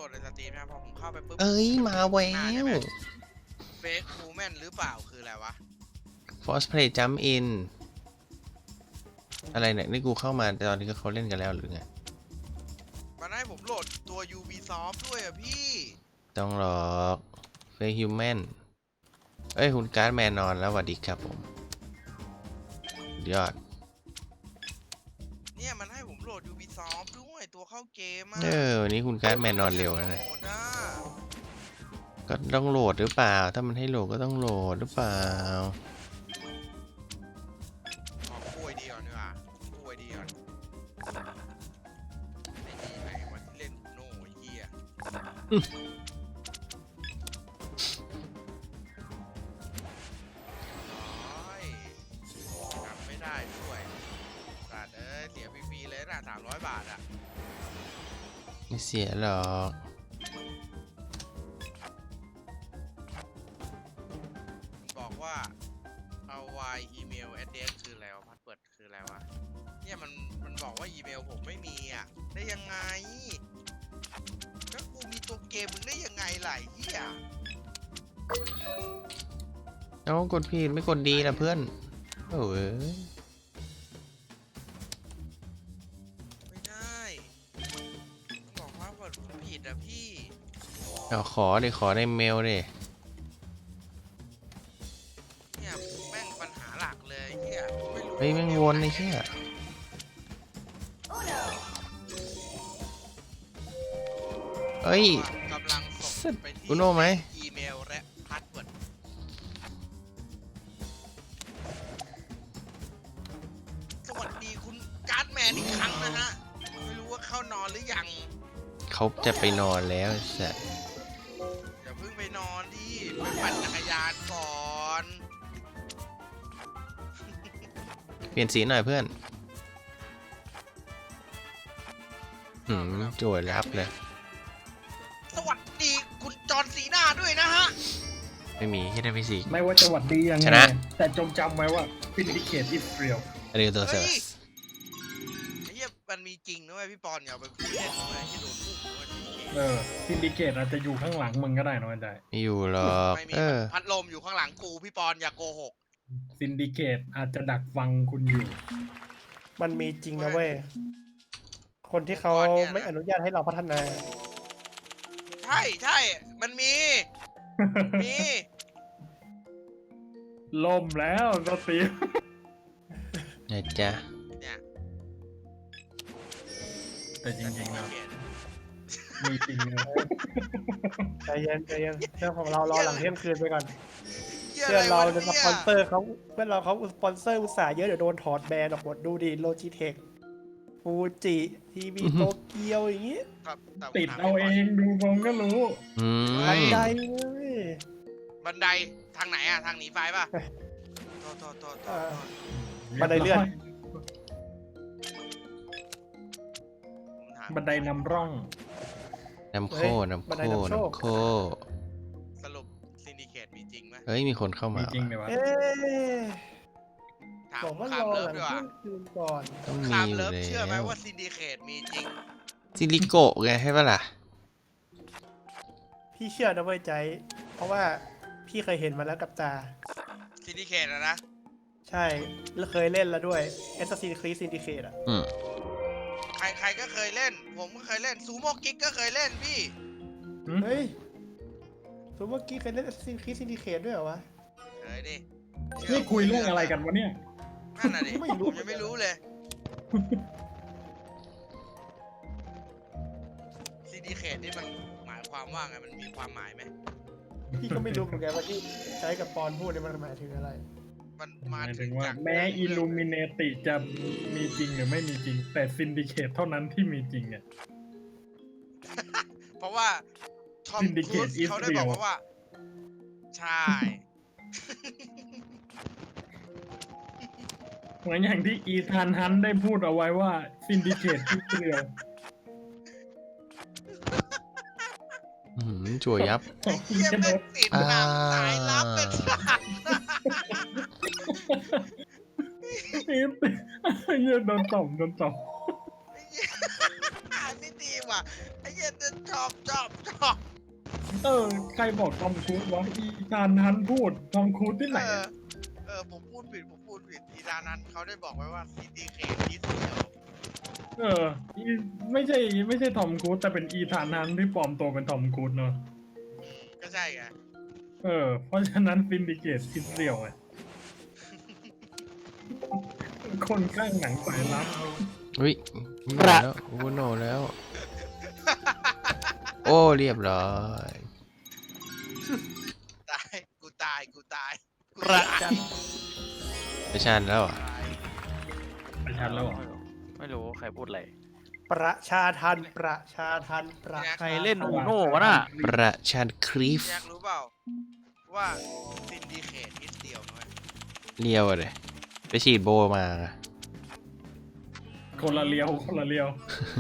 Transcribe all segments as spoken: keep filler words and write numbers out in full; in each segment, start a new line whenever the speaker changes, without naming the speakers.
ดในสตรีมนะพอผมเข้าไปปุ๊บ
เอ้ยมาแวว
เฟกมูแมนหรือเปล่าคืออะไรวะ
Force Play Jump In อะไรเนี่ยนี่กูเข้ามาตอนนี้ก็เขาเล่นกันแล้วหรือไง
มันให้ผมโหลดตัว Ubisoft ด้วยอ่ะพี่
ต้องหรอก Fake Human เอ้ยคุณการ์ดแมนนอนแล้วสวัสดีครับผมยอด
เนี่ยมันให้ผมโหลด Ubisoft ด้วยตัวเข้าเกมอ่ะ
เออวันนี้คุณการ์ดแมนนอนเร็วนะเนี่ย
โหดอ่ะ
ก็ต้องโหลดหรือเปล่า ถ้ามันให้โหลดก็ต้องโหลดหรือเปล่า
ขอป่วยดีก่อนดีกว่าป่วยดีก่อนไอ้นี่ไอ้วันที่เล่นโน่ไอ้เหี้ยร้อยจำไม่ได้ด้วยสัตว์เอ้ยเสียฟรีๆเลยนะสามร้อยบาทอ่ะ
ไม่เสียหรอก
บอกว่าเอาไวอีเมล address คืออะไรวะพาสเวิร์ดคืออะไรวะเนี่ยมันมันบอกว่าอีเมลผมไม่มีอ่ะได้ยังไงก็กูมีตัวเกมมึงได้ยังไงล่ะไอ้เหี้ย
เอากดผิดไม่กดดีนะเพื่อนโอ้ย
ไม่ได้ต้องบอกว่าเวิร์ดผมผิดอ่ะพี่
เอาขอดิขอในเมลดิ
เนี่ยแม่งปัญหาหลักเลยไอ้เหี้ยไม่รู้
เฮ้ยแม่งวนไอ้เหี้ยเอ้ย
กำลังส่งไปที่
อุโน่ไหม
อีเมลและพาสเวิร์ดสวัสดีคุณการ์ดแมนอีกครั้งนะฮะไม่รู้ว่าเข้านอนหรือยัง
เขาจะไปนอนแล้วสัส
อย่าเพิ่งไปนอนดิไปปั่นจักรยานก่อน
เปลี่ยนสีหน่อยเพื่อนหืมโจยรับเลย
สวัสดีคุณจอห์นซีน่าด้วยนะฮะ
ไม่มีที่ได้ฟิสิก
ไม่ว่าจะหวัดดียังไง
ชนะ
แต่จงจำไว้ว่า Syndicate is real
เรียลตัวเซอร์
ไอ้เหี้ยมันมีจริงนะเว้ยพี่ปอนอย่าไปพูดเล่นเลยที่โดนพุ่งด้วยทีเค
เออ Syndicate อาจจะอยู่ข้างหลังมึงก็ได้นะวันใด
ไม่อยู่หรอก
ไม่มี
เออ
พัดลมอยู่ข้างหลังกูพี่ปอนอย่าโกหก
Syndicate อาจจะดักฟังคุณอยู่
มันมีจริงนะเว้ย คนที่เขาไม่อนุญาตให้เราพัฒนา
ใช่ใช่มันมี มี
ล่มแล้วสตีฟ
นะจ๊ะ
เนี่ย
แต่จริงๆนะ
เขียน
มีจริงนะ
ใจเย็นใจเย็นเรื่องของเรารอหลังเที่ยงคืนไปก่อน
หี้ย
เพื่อนเรา
ะไวะ
จะสปอนเซอร์เขาเพื่อนเราเขาสปอนเซอร์อุตสาห์เยอะเดี๋ยวโดนถอดแบรนด์ออกหมดดูดิโลจิเทคฟูจิทีวี
อือฮึ
โตเกียวอย่างงี้
ครับแต่ผม
ติด
ถม
เอา
พี่
เอ
ปน
งดูมองก็รู้
อื
บัน
ม
ไดเลย
บันไดทางไหนอะทางหนีไฟป่ะโทษโทษโทษโท
อ่า
ษ
บันไดเลื่อน
ผมถาม
บันไดนำร่อง
น้ำโค
เฮ้ย
น้ำ
บัน
โค
ไดนำโชค
น้ำโค
สรุปซินดิเคตมีจริงไหม
เฮ้ยมีคนเข้า
มี
มา
จริงไหมวะ
เอ๊ะ
ถาม
บอกว่า
คาร ม
อ
เลิ
ห
ฟ
ลัง
ดีกว่า
เที่ยงคืนก่อน
ต้อง
คา
มี
ม
อยู่
เลิฟ
แล้
เชื่อไหม
ว
ว่าซินดิเคตมีจริง
ซิลิโกะไงใช่ปะล่ะ
พี่เชื่อนะเว้ยใจ เพราะว่าพี่เคยเห็นมาแล้วกับตา
ซินดิเคตอะนะ
ใช่ แล้วเคยเล่นแล้วด้วย Assassin's Creed Syndicate อ่ะ
อืม
ใครใครก็เคยเล่น ผมก็เคยเล่นซูโม่กิ๊กก็เคยเล่นพี่
เฮ้ยสมมติเมื่อกี้เคยเล่น Assassin's Creed Syndicate ด้วยเหรอวะ
เคยดิ
นี่คุยเรื่องอะไรกันวะเนี่ย
นั่นน่ะดิ
ไม่รู้
ผมยังไม่รู้เลยซินดิเคตนี่มันหมายความว่าไงมันมีความหมายไหม
พี่ก็ไม่รู้เหมือนกันว่าที่ใช้กับปอนพูดเนี่ยมันหมายถึงอะไร
มัน
ห
มา
มาย
ถึ
ถึ
ง
งว่า
จาก
แม้อิลูมิเนติจะมีจริงหรือไม่มีจริง แต่ Syndicate เท่านั้นที่มีจริงเนี่ย
เพราะว่าทอมครู
Syndicate
ซ
is
เขาได้บอก
real
มาว่า ใช่
เหมือนอย่างที่อีธานฮันต์ได้พูดเอาไว้ว่า Syndicate is real
อืมจั่วยับ
ไอ้เหี้ยแม่งติดหนังสายลับเป็นสัตว์
เหี้ยโดนตบโดนตบ
ไอ้เหี้ยอ่านไม่ดีว่ะไอ้เหี้ยชอบชอบชอบ
เออใครบอกทอมครูซวะอีธานฮันต์พูดทอมครูซที่ไหน
เออ
อะ
เออผมพูดผิดผมพูดผิดทีดานั้นเขาได้บอกไว้ว่าซีดีเคทีเดียว
เอออีไม่ใช่ไม่ใช่ทอมครูซแต่เป็นอีธานฮันต์ที่ปลอมตัวเป็นทอมครูซเนอะ
อืมก็ใช่ไง
เออเพราะฉะนั้นซินดิเกตอิสเรียลไงคนข้างหนังสายลับ
อุ้ยโนแล้วโอ้โนแล้ว โอ้เรียบร้อย
ตายกูตายกูตายกู
ประ
ตาย
จัน
ไปชันแล้วเหรอ่ะ
ตาย
ประชันแล้วเหรอ
ไม่รู้ใครพูดอะไร
ประชาทันประชาทันประชา
ใครเล่นอูโน่วะน่ะ
ประชันครีฟ
อยากรู้เปล่าว่าซินดีเคทนิดเดียวน้อย
เลียวอะเลยไปฉีดโบมา
คนละเลียวคนละเลียว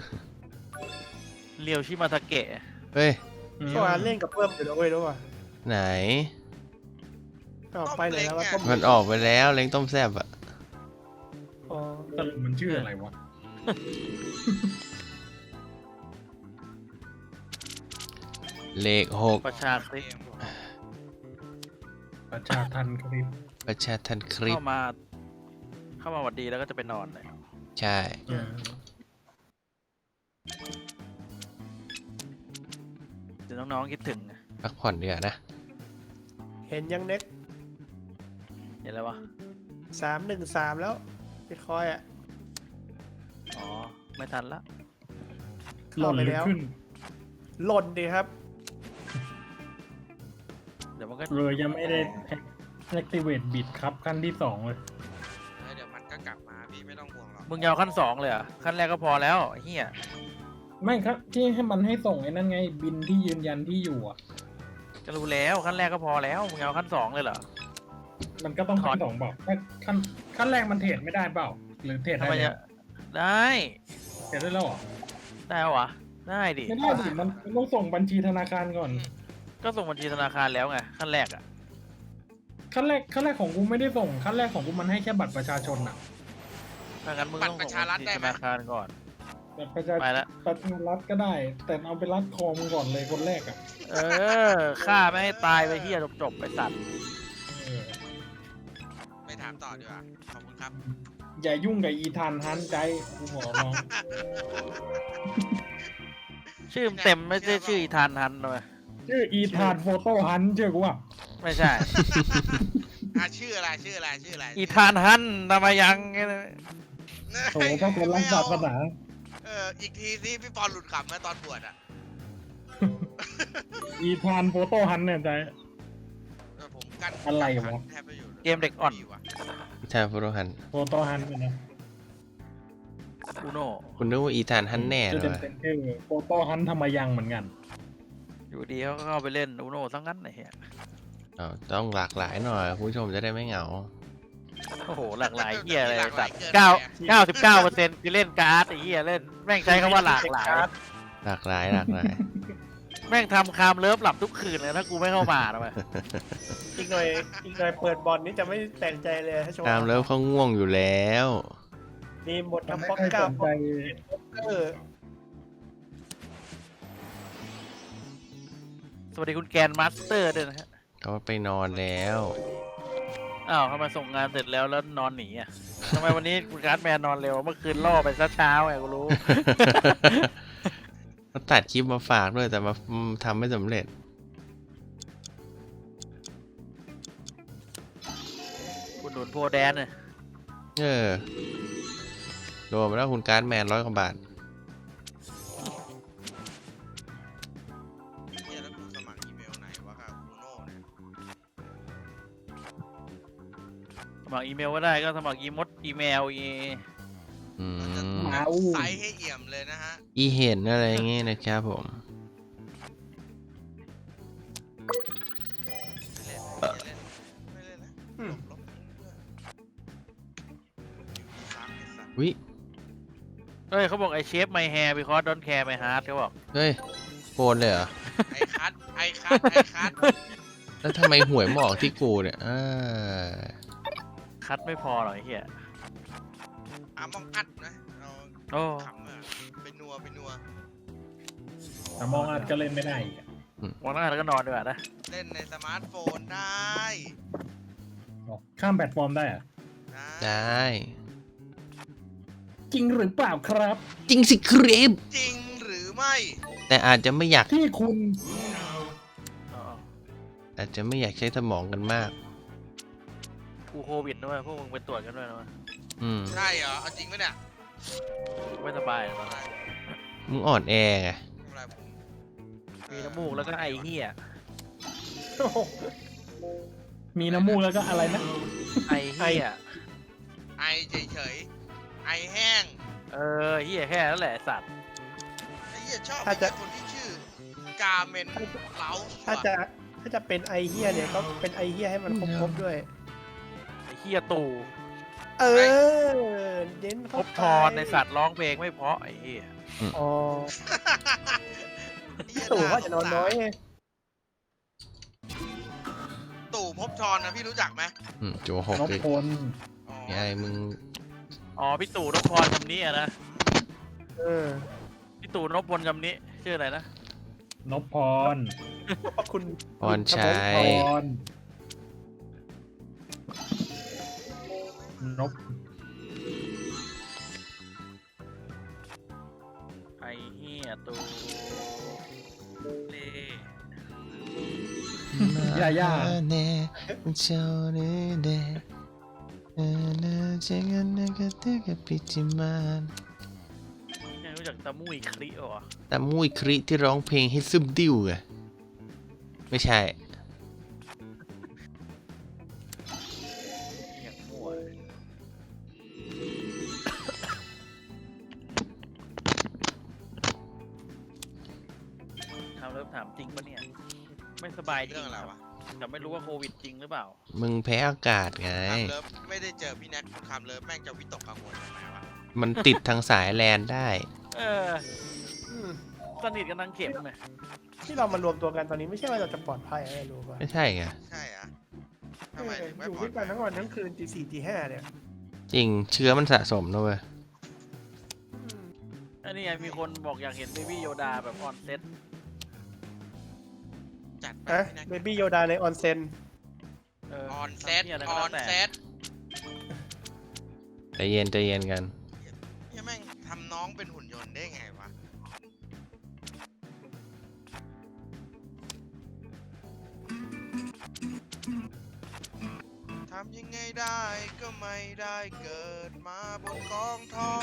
เรียวชิมาทาเกะ
เฮ้ย
ก็มาเล่นกับเพิ่มอยู่นะเว้ยรู้ป่ะ
ไหน
ก็ไปไหนแล้วว่าต้ม
มันออกไปแล้วเล้งต้มแซ่บอะ
อ๋อ
สรุปมันชื่ออะไรวะ
เลขหก
ประชาคริส
เกม
ประชาทันคลิป
ประชาทันคลิป
เข้ามา เข้ามาหวัดดีแล้วก็จะไปนอนเลย
ใช่
เออ
เดี๋ยวน้องๆคิดถึง
พักผ่อนเดือนะ
เห็นยังเน็ก
เห็นแล้ววะ
สามหนึ่งสามแล้วบิตคอยอ่ะ
อ๋อ ไม่ทันละ
หล่นหรือขึ้น
หล่นดีครับ
เดี๋ยวมันก็
เลยยังไม่ได้แอคทีเวตบิดครับขั้นที่สองเลย
เออเดี๋ยวมันก็กลับมาพี่ไม่ต้องห่วงหรอก
มึงยาวขั้นสองเลยเหรอ่ะขั้นแรกก็พอแล้วไอ้เฮีย
ไม่ครับที่ให้มันให้ส่งไอ้นั่นไงบินที่ยืนยันที่อยู่อ่ะ
จะรู้แล้วขั้นแรกก็พอแล้วมึงยาวขั้นสองเลยเหรอ
มันก็ต้อง
ถอ
ขั้
ด
นสองเปล่าถ้าขั้นขั้นแรกมันเทรดไม่ได้เปล่า หรือเทรด
ทำ
ได้
ไม
แล้
จะ
ว
ได้
เทรดได้แล้วเหรอ
ได้วะได้ดิ
ไม่ได้ดิมันมันต้องส่งบัญชีธนาคารก่อน
ก็ส่งบัญชีธนาคารแล้วไงขั้นแรกอ่ะ
ขั้นแรกขั้นแรกของกูไม่ได้ส่งขั้นแรกของกูมันให้แค่บัตรประชาชนอ่ะ
ถ้างั้นมึงต้องส่งบัญชีธนาคารก่อน
บัตรประชา
ไปละ
ประชารัฐก็ได้ แต่เอาไปรัดคอมก่อนเลยคนแรกอ่ะ
เออฆ่าไม่ให้ตายไปเฮียจบๆไปสัตว์
เออ
ไม่ถามต่อดีกว่าขอบคุณครับ
อย่ายุ่งกับอีธานฮันต์ใจกูขอร้อง
ชื่อเต็มไม่ใช่ชื่ออีธานทันเลย
ชื่ออีธานโฟโต้ฮันต์เชื่อกูว่า
ไม่ใช่
อ่ะชื่ออะไรชื่ออะไรชื่ออะไร
อีธานฮันทำไมยัง
โอ้ก็คนรักศาสนา
เอออีกทีสิพี่ปอนหลุดขำเมื่อตอนบวชอ่ะ
อีธานโฟโต้ฮันต์เนี่ยใจ
เออผมกั้น
อะไรวะ
แทบไม่อยู่ลย
เกมเด็กอ่อน
ดีว่ะ
ทานฟโรหัน
โฟโต้ฮันต์เนี่ยนะ
อูโน่
คุณนึกว่าอีธานฮันแน่เล
จะ
ย
เป็น
วะ
เป็นชื่อโฟโต้ฮันต์ธรรมยังเหมือนกัน
อยู่ดีเขาก็เข้าไปเล่นอูโน่ทั้งนั้นไอ้เหี้ย
เอาต้องหลากหลายหน่อยคุณผู้ชมจะได้ไม่เหงา
โอ้โหหลากหลายเหี้ยอะไรสัตว์เก้าเก้าสิบเก้าเปอร์เซ็นต์คือเล่นการ์ดไอ้เหี้ยเล่นแม่งใช้คำว่าหลากหลาย
หลากหลายหลากหลาย
แม่งทำคามเลิฟหลับทุกคืนเลยถ้ากูไม่เข้ามาทำไม
อีกหน่อยอีกหน่อยเปิดบอลนี้จะไม่แปลกใจเลยถ้าโชว์
ตามแล้วเขาง่วงอยู่แล้ว
มีหมด
มัน
ทั้ง
ไม่
ป๊อก
ค่อย
เก้า
สน
ป๊
ใจ
อกเกอร์
สวัสดีคุณแกนมาสเตอร์ด้วยนะฮะ
เขาไปนอนแล้ว
อ้าวเขามาส่งงานเสร็จแล้วแล้วนอนหนีอ่ะทำไมวันนี้คุณการ์ดแมนนอนเร็วเมื่อคืนล่อไปซะเช้าไงกูรู้
เขาตัดคลิปมาฝากด้วยแต่มาทำไม่สำเร็จ
คุณหนุนโพแดนเนี่ย
เออรวมแล้วคุณการ์ดแมนร้อยกว่าบาท
เนี่ยแล้วกูสมัครอีเมลไหนวะครับอูโน่เนี่ย
สมัครอีเมลก็ได้ก็สมัครอีมดอีเมลอี
อื
เราจะ
ม
หมาอู้
ไซส์ให้เอี่ยมเลยนะฮะ
อีเห็นอะไรอย่างงี้นะครับผม
ไม่เล่นไม่เล่นไม่เล่นนะหลบหลบเพื่อนอยู่สามไอ้สัตว์
วิ
เฮ้ยเขาบอกไอเชฟไมแฮร์บิคอสดอนแคร์ไมฮาร์ดเขาบอก
เฮ้ยโกนเลยเหรอ
ไอคัทไอคัทไอคัท
แล้วทำไมหวยมาออกที่กูเนี่ยอ่า
คัดไม่พอหรอกไอ้เหี้ย
อามองอัดนะเรา
โอ้
ขำอะไปนัวไปนัว
แต่มองอาจก็เล่นไม่ได้อีกอะ
วันนั้นแล้วก็นอนดีกว่านะ
เล่นในสมาร์ทโฟนได้
บอกข้ามแพลตฟอร์มได้อะ
ได้
จริงหรือเปล่าครับ
จริงสิครับ
จริงหรือไม่
แต่อาจจะไม่อยาก
ที่คุณ
อ๋อ
อาจจะไม่อยากใช้สมองกันมาก
กูโควิดด้วยพวกมึงไปตรวจกันด้วยนะวะ
อืม
ใช่เหรอเอาจริงไหมเนี่ย
ไม่สบายเหรอ
อะไร
มึงอ่อนแอไง
อะไรผม
มีน้ำมูกแล้วก็ไอเหี้ย
มีน้ำมูกแล้วก็อะไรนะ
ไอเหี้ย
ไอเฉยๆไอแห้ง
เออเหี้ยแค่นั้นแหละไอ้สัตว์
ไอ้เหี้ยชอบ
ถ้าจะ
ไอ้คนที่ชื่อกาเมนเล้า
ถ้าจะถ้าจะเป็นไอเฮียเนี่ยก็เป็นไอเฮียให้มันครบๆด้วย
ไอเหี้ยตู่
เออเน้น
พ
เข้า
บ
ไป
ทอนในสัตว์ร้องเพลงไม่เพราะไอเหี้ย
อ๋อตู่เขาจะนอนน้อยไง
ตู่ภพบทอนนะพี่รู้จักไหม
อืมโจหก
นพ
เลย
พล
อ๋อ
ยายมึง
อ๋อพี่ตู่นพพรคำนี้อะนะ
เออ
พี่ตู่นพพลคำนี้ชื่ออะไรนะ
นพพร
ขอบคุณ
พรชัย
พรนพ
ไอเหี้ยตู่เล่
ย่าย่า
เน่เจ้าเน่เดเอเนเจกันนกเตกปิจิมาน
ยังรู้จักตะมุยคลิเหรอ
แต่มุ้ยคริที่ร้องเพลงให้ซึมดิ้วไงไม่ใช่
อย่างมั่วเลยถามเริ่มถามจริงปะเนี่ย ไม่สบายจริ
เรื่อง งอะไรวะ
แต่ไม่รู้ว่าโควิดจริงหรือเปล่า
มึงแพ้อากาศไง
คามเลิฟไม่ได้เจอพี่แน็กคุณคามเลิฟแม่งจะวิตกกังวลทำไมวะ
มันติดทางสายแลนได้
เออ
อืม
สนิทกันนางเข็มเลย
ที่เรามารวมตัวกันตอนนี้ไม่ใช่ว่าเราจะปลอดภัยอะไรรู้ป่ะ
ไม่ใช่ไง
ใช่อะ
เอ
ทำไม
อ
ถึงไม่
อยู่
ปลอ
ด้
ด
วย
ภั
กันทั้งวันทั้งคืนตีสี่ตีห้าเนี่ย
จริงเชื้อมันสะสมนะเว้ย
อืม
อันนี้ไงมีคนบอกอยากเห็นเบบี้โยดาแบบออนเซ็ต
จัดไป
ฮะ
พี่แน็ก
เบบี้โยดาในออนเซ็น
เออ
ออนเซต
ทำหี้ยะไร
อ
ก็
อ
แล้ว
น
แต่
เซต
ใจเย็นใจเย็นกัน
เหี้ยแม่งทำน้องเป็นหุ่นยนต์ได้ไงวะทำยังไงได้ก็ไม่ได้เกิดมาบนกองทอง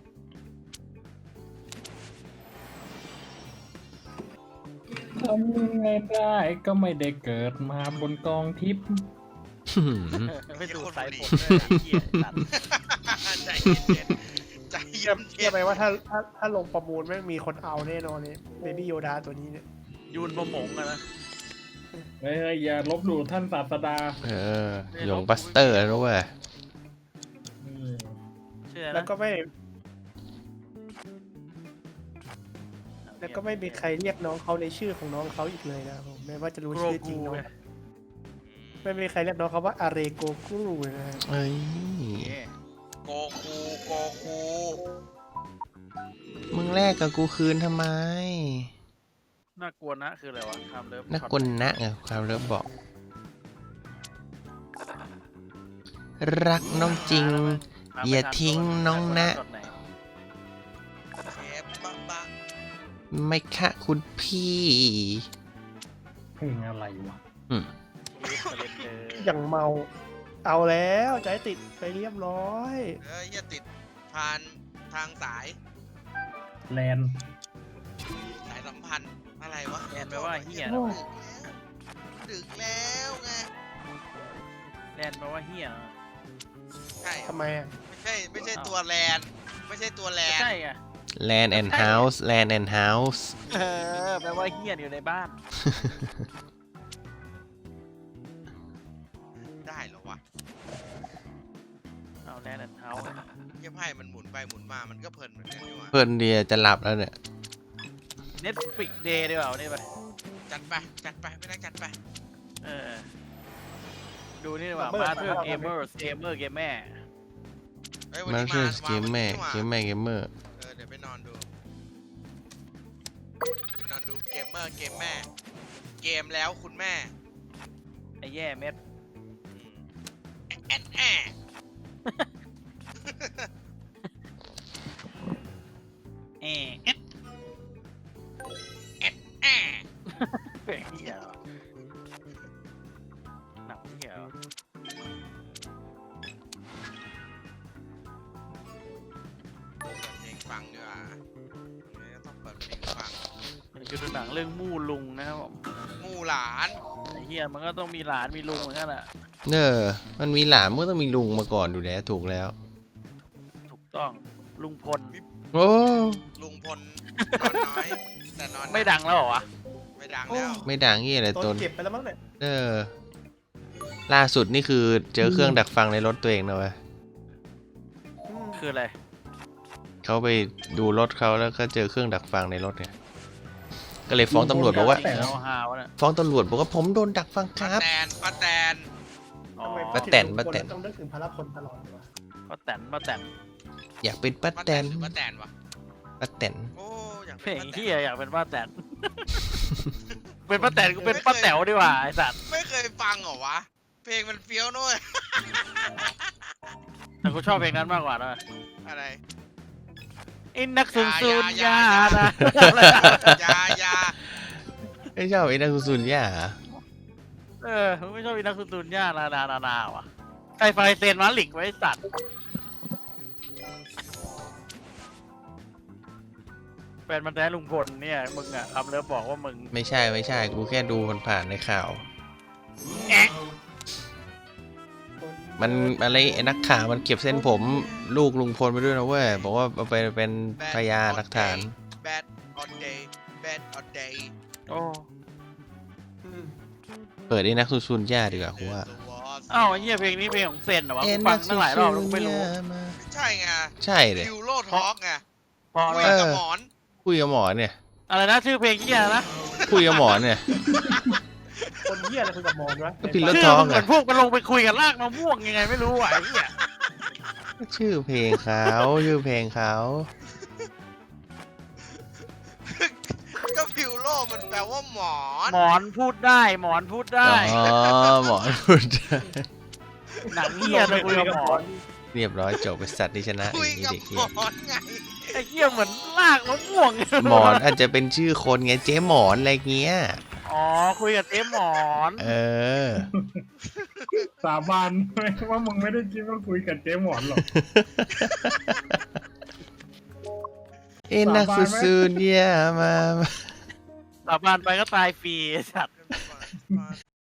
ทำยังไงได้ก็ไม่ได้เกิดมาบนกองทิพย์
ไม่ดูสายผมด้วยนะเหี้ยสัตว์
ใจเย็นๆใจเย็น
เชื่อไหมว่าถ้าถ้าถ้าลงประมูลแม่งมีคนเอาแน่นอนเนี่ยเบบี้โยดาตัวนี้เนี่ย
ยูนประหมงอะนะ
เฮ้ยอย่าลบหลู่ท่านศาสดา
เออหยงบัสเตอร์แล้วเว้ย
อืม
เชื่อนะ
แล้วก็ไม่แล้วก็ไม่มีใครเรียกน้องเขาในชื่อของน้องเขาอีกเลยนะครับผมแม้ว่าจะรู้
โกร
ชื่อจริ
กู
งน้อง
ไง
ไม่มีใครเรียกน้องเขาว่าอาเรโกกุรุนะฮะ
เอ้ย
ๆโกคูโกคู
มึงแลกกับกูคืนทำไม
น่ากลัวนะคืออะไรวะทำเลิฟ
นักกลนะไงความเลิฟบอก รักน้องจริง อย่าทิ้งน้องนะ
เชฟบะบะ
ไม่ค่ะคุณพี่
เพลงอะไรวะ
อืม
อย่างเมา เอาแล้วใจติดไปเรียบร้อย
เอ้ยอย่าติดผ่านทางสาย
แลนด์
สายสัมพันธ์อะไรวะ
แอนแปลว่าเหี้ย
ดึกแล้วดึกแล้วไง
แลนแปลว่าเหี้ย
ใช่เหรอ
ทำไมอ่ะ
ไม่ใช่ไม่ใช่ตัวแลนไม่ใช่ตัวแลน
ใช่ไง
Land and House Land and House
เออแปลว่าเหี้ยอยู่ในบ้าน
ได้เหรอวะ
เอาแลนด์เท้า
เยี่ยไพ่มันหมุนไปหมุนมามันก็เพลินเหมือนกันนี่หว่า
เพื่อนเดียจะหลับแล้วเนี่ย
เน็ตฟิกเดย์ดีกว่าวันนี้ไป
จัดไปจัดไปไม่ได้จัดไป
เออ ดูนี่ดีกว่ามาเธอเกมเมอร์เกมเมอร์เกมแม่
เฮ้ยวัน
มา
นี้
เรื่
มา
องเกมแม่
าวัน
เก
นี้
ม
นี่หว่า
แม่เกมเมอร์
เออเดี๋ยวไปนอนดูดูเกมเมอร์เกมแม่ เกมแล้วคุณแม่
ไอ้แย่เม็ด
แอนแอน
เอ๊ะเอ๊ะ
แอน
เพลงเหี้ยเหรอหนังเหี้ยเหรอ
เปิดเพลงฟังดีกว่าไม่ต้องเปิดเพลงฟัง
มันคือหนังเรื่องมู่ลุงนะครับผม
มู่หลาน
ไอ้เหี้ยมันก็ต้องมีหลานมีลุงเหมือนกันแหละ
เนอมันมีหลานมันก็ต้องมีลุงมาก่อนดูแล้วถูกแล้ว
ถูกต้องลุงพล
โอ้
ลุงพลนอนน้อย แต่นอนนะ
ไม่ดังแล้วเหรอวะ
ไม่ดังแล้ว
ไม่ดังยี่อะไร
โด
ต
น
น
เก็บไปแล้วมั้งเนี่ย
เออล่าสุดนี่คือเจอเครื่องดักฟังในรถตัวเองนะเว้ย
อืม
คืออะไร
เขาไปดูรถเขาแล้วก็เจอเครื่องดักฟังในรถเนี่ยก็เลยฟ้องตำรวจบอกว่า
จริงๆเอาฮาวะเนี่ย
ฟ้องตำรวจบอกว่าผมโดนดักฟังค
ป้า
รับ
แตนป้าแตน
อ๋อ
ทำไม
ป้าแตนป้าแตน
ต้องนึกถึงพระพลตลอดเลยวะ
ป้าแตนป้าแตน
อยากเป็นป้า
ป้า
แต
แตน
น
หรือป้าแตนวะ
ป้าแตน
โอ้อยาก
เพ
เป็
ล
น
ง
ป้าแต
เหี้ย
น
อยากเป็นป้าแตน เป็นป้าแตนก็เป็นป้าแต๋วดีกว่าไอ้สัตว์
ไม่เคยฟังเหรอวะ เพลงมันเฟี้ยวนุ้ย
แต่กูชอบเพลงนั้นมากกว่านะ
อะไร
ไอ้นักซุนซุน
อย่าย
า
อย่า
นะ
อยาอยา
ไม่ชอบไอ้นักซุนย่าเหรอ
เออไม่ชอบไอ้นักซุนซุนยานานานานาว่ะใครไฟเซนมาหลิกไว้สัตว์แฟนมันแท้ลุงพลเนี่ยมึงอะคำเลิฟบอกว่ามึง
ไม่ใช่ไม่ใช่กูแค่ดูผ่านๆในข่าว มันอะไรไอ้นักข่าวมันเก็บเส้นผมลูกลุงพลไปด้วยนะเว้ยบอกว่าเอาไปเป็นพยานหลักฐาน
bad on day bad on day
โอ้
อืม
เปิดไอ้นักซุนย่าดีกว่ากูว่า
อ้าวไอ้เหี้ยเพลงนี้เพลงของเซนเหรอวะกูฟังตั้งหลายรอบแล้วกูไม่รู้
ใช่ไง
ใช่เลย
ยูโรทอกไง
พอ
คุย
แล้ว
กับหมอน
คุยกับหมอเนี่ย
อะไรนะชื่อเพลงเหี้ยนะ
คุยกับหมอเนี่ย
คนเหี้ยอะไรคุยกับมอนวะ
ก็พิมพ์รถ
ชื่
ท้
อ
อง
มึงเหมื
อะ
อนพวกมันลงไปคุยกับลากมะม่วงยังไงไม่รู้อ่ะไอ้เหี้ย
ชื่อเพลงเขาชื่อเพลงเขา
ก็พิวโรมันแปลว่าหมอน
หมอนพูดได้หมอนพูดได้
อ๋อหมอพูดได้
หนังเหี้ยจะคุยกับหมอน
เรียบร้อยจบไปสัตว์ที่ชนะ
คุย
ไอ้
กับ
เด็ก
ห
เหี้
ม
ย
อนไง
ไอ้เหี้ยเหมือนลากมะม่วง
หมอนอาจจะเป็นชื่อคนไงเจ๊หมอนอะไรเงี้ย
อ๋อคุยกับเจ๊หมอน
เออ
สาบานไหมว่ามึงไม่ได้คิดว่าคุยกับเจ๊หมอนหรอก
เอ็นนักซุนย่ามา
สาบานไปก็ตายฟรีไอ้สัตว์